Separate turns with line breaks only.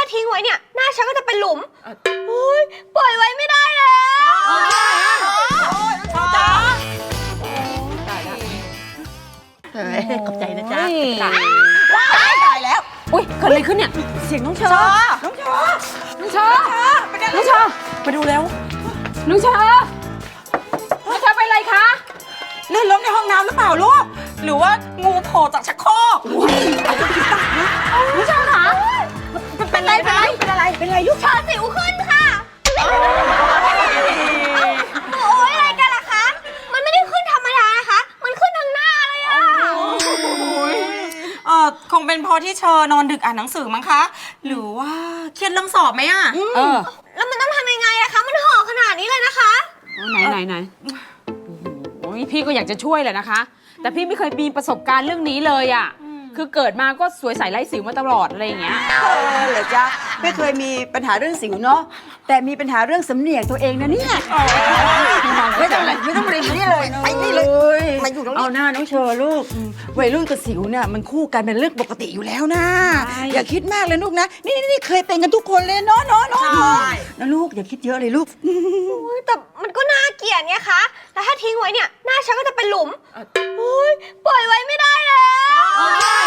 ทิ้งไว้เนี่ยหน้าฉันก็จะเป็นหลุมโอ๊ยปล่อยไว้ไม่ได้แล้ว
จ้า
ขอบใจนะจ๊ะ
ตายแล้ว
อุ้ยเกิดอะไรขึ้นเนี่ยเสียงน้องเชอน้องเชอน้องเชอน้องเชอมาดูแล้วน้องเชอน้องเชอเป็นไรคะ
ลื่นล้มในห้องน้ำหรือเปล่าลูกหรือว่างูโผล่จากชักโครก
น้องเชอคะเป็นไรคะเป็นอะไรลูก
เชอสิวขึ้นค่ะโอ้ยอะไรกันล่ะคะมันไม่ได้ขึ้นธรรมดานะคะมันขึ้นทางหน้าเลยอะ
คงเป็นเพราะที่เชอนอนดึกอ่านหนังสือมั้งคะหรือว่าเครียดเรื่องสอบไหมอะ
แล้วมันต้องทำยังไงอะคะมันห่อขนาดนี้เลยนะคะ
ไหนโอ้ยพี่ก็อยากจะช่วยแหละนะคะแต่พี่ไม่เคยมีประสบการณ์เรื่องนี้เลยอ่ะคือเกิดมาก็สวยใสไร้สิวมาตลอดอะไรอย่างเงี้ย
เหรอจ๊ะไม่เคยมีปัญหาเรื่องสิวเนาะแต่มีปัญหาเรื่องสำเนียกตัวเองนะเนี่ยไม่ต้องเรียนนี่เลยไปนี่เลยมาอยู่ตรงนี้เอาหน้าน้องเชอลูกวัยรุ่นกับสิวเนี่ยมันคู่กันเป็นเรื่องปกติอยู่แล้วนะอย่าคิดมากเลยลูกนะนี่เคยเป็นกันทุกคนเลยเนาะนะลูกอย่าคิดเยอะเลยลูก
แต่มันก็น่าเกลียดไงคะแล้วถ้าทิ้งไว้เนี่ยหน้าฉันก็จะเป็นหลุมโอ๊ยปล่อยไว้ไม่ได้แล้ว